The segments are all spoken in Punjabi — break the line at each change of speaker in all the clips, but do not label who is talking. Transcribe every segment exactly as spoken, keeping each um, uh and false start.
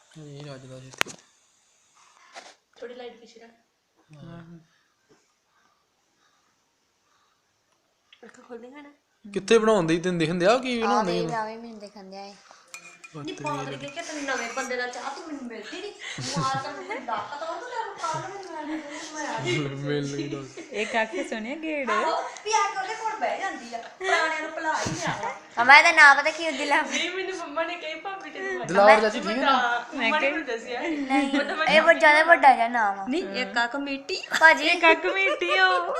ਨਹੀਂ ਰੱਜਦਾ ਜਿੱਥੇ
ਥੋੜੀ ਲਾਈਟ ਪਿੱਛੇ ਰੱਖ ਅੱਖਾਂ ਖੋਲ ਦੇਗਾ ਨਾ
ਕਿੱਥੇ ਬਣਾਉਂਦੇ ਹੀ ਤੈਨੂੰ ਦਿਖਣ ਦਿਆ ਕੀ ਬਣਾਉਂਦੇ
ਆਵੇ ਆਵੇ ਮੈਨੂੰ ਦੇਖਣ ਦਿਆ
ਨਹੀਂ ਪਾਗਲ ਕੇ ਕਿ ਤੈਨੂੰ ਨਵੇਂ ਬੰਦੇ ਦਾ ਚਾਹ ਤੂੰ ਮੈਨੂੰ ਮਿਲਦੀ ਨਹੀਂ ਮਾਰ ਤਾਂ ਮੈਨੂੰ ਡਾਕਾ ਤਾਂ ਉਹ ਤੈਨੂੰ ਪਾਗਲ ਮੈਨੂੰ
ਮਿਲ ਨਹੀਂ ਦੱਸ
ਇੱਕ ਆਖੇ ਸੁਣਿਆ ਗੇੜ
ਵੀ ਆ ਕੇ ਉਹਦੇ ਕੋਲ ਬਹਿ ਜਾਂਦੀ ਆ ਪੁਰਾਣਿਆਂ ਨੂੰ ਭੁਲਾ ਹੀ ਨਹੀਂ ਆ
ਮਮਾ ਦਾ ਨਾਮ ਪਤਾ ਕੀ ਹੁੰਦੀ ਲਾ
ਨਹੀਂ ਮੈਨੂੰ ਮੰਮਾ ਨੇ ਕਹੀ ਭਾਬੀ ਤੈਨੂੰ
ਦਿਲਾਵਰ ਚਾਚੀ ਠੀਕ ਹੈ ਨਾ
ਮੈਂ ਕਿਹਾ ਦੱਸਿਆ
ਨਹੀਂ ਇਹ ਬਹੁਤ ਜ਼ਿਆਦਾ ਵੱਡਾ ਜਿਹਾ ਨਾਮ ਆ
ਨਹੀਂ ਇੱਕ ਆ ਕਮੇਟੀ
ਭਾਜੀ
ਕੱਕ ਮੀਟੀ ਹੋ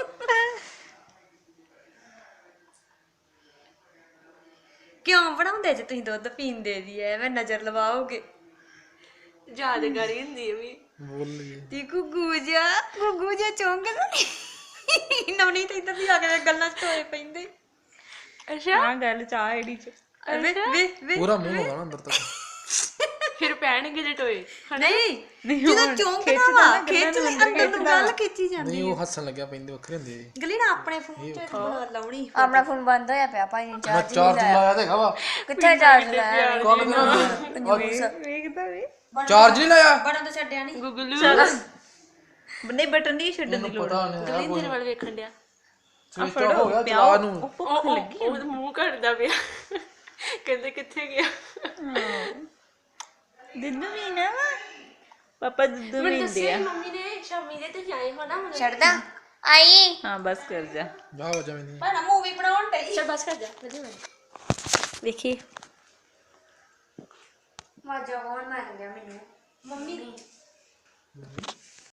ਕਿਉਂ ਬਣਾਉਂਦੇ ਜੇ ਤੁਸੀਂ ਦੁੱਧ ਪੀਂਦੇ ਦੀ ਐ ਐਵੇਂ ਨਜ਼ਰ ਲਵਾਓਗੇ ਯਾਦਗਾਰੀ ਹੁੰਦੀ ਐ ਵੀ
ਬੋਲ ਲਈ
ਤੀ ਗੁੱਗੂ ਜਾ ਗੁੱਗੂ ਜਾ ਚੌਂਕ ਨਵਨੀ ਤੇ ਇੱਧਰ ਵੀ ਆ ਕੇ ਗੱਲਾਂ ਚ ਟੋਏ ਪੈਂਦੇ ਅੱਛਾ
ਹਾਂ ਗੱਲ ਚਾਹ ਆਈਡੀ ਚ
ਵੇ ਵੇ ਵੇ
ਪੂਰਾ ਮੂੰਹ ਹੋਗਾ ਨਾ ਅੰਦਰ ਤੱਕ
ਫਿਰ ਪੈਣਗੇ ਜੇ ਟੋਏ ਨਹੀਂ
ਨਹੀਂ
ਜਦੋਂ ਚੌਂਕ ਨਾ ਵਾ ਖਿੱਚ ਲੈ ਅੰਦਰ ਨੂੰ ਗੱਲ ਖਿੱਚੀ ਜਾਂਦੀ
ਨਹੀਂ ਉਹ ਹੱਸਣ ਲੱਗਿਆ ਪੈਂਦੇ ਵੱਖਰੇ ਹੁੰਦੇ
ਗਲੀ ਨਾ ਆਪਣੇ ਫੋਨ ਚ ਬਣਾ ਲਾਉਣੀ
ਆਪਣਾ ਫੋਨ ਬੰਦ ਹੋਇਆ ਪਿਆ ਭਾਈ ਨੇ
ਮੈਂ
ਚਾਰਜ
ਚਾਰਜ ਲਾਇਆ ਤੇ ਹੈਗਾ ਵਾ
ਕਿੱਥੇ ਚਾਰਜ ਲਾਇਆ
ਕੌਣ ਕਿਹਨਾਂ
ਵੇਖਦਾ ਵੇ
ਚਾਰਜ ਨਹੀਂ ਲਾਇਆ
ਬਟਨ ਤਾਂ ਛੱਡਿਆ ਨਹੀਂ
ਗੁੱਗਲੂ ਨਹੀਂ ਬਟਨ ਦੀ ਛੱਡਣ ਦੀ ਲੋੜ
ਪਤਾ ਨਹੀਂ
ਗਲੀ ਤੇਰੇ ਵੱਲ ਵੇਖਣ ਡਿਆ
ਸਵਿਚ ਆਫ ਹੋ ਗਿਆ ਚਲਾ ਨੂੰ
ਭੁੱਖ ਲੱਗੀ ਉਹ ਮੂੰਹ ਘੜਦਾ ਪਿਆ ਕਹਿੰਦੇ ਕਿੱਥੇ ਗਿਆ
ਦੁੱਧ ਪੀਣਾ ਵਾ ਪਾਪਾ ਦੁੱਧ ਪੀਂਦੇ ਆ
ਮੰਮੀ ਨੇ ਸ਼ਾਮੀ ਦੇ ਤੇ ਆਏ ਹੋ ਨਾ ਹੁਣ
ਛੱਡਦਾ ਆਈ
ਹਾਂ ਬਸ ਕਰ ਜਾ
ਜਾ ਵਜਾ ਮੈਨੂੰ
ਪਰ ਮੂਵੀ ਬਣਾਉਣ ਟਈ ਚਲ ਬਸ ਕਰ ਜਾ ਵਧੀਆ ਵੇਖੀ
ਮਾਜਾ ਕੌਣ ਮਾਰ ਗਿਆ ਮੈਨੂੰ
ਮੰਮੀ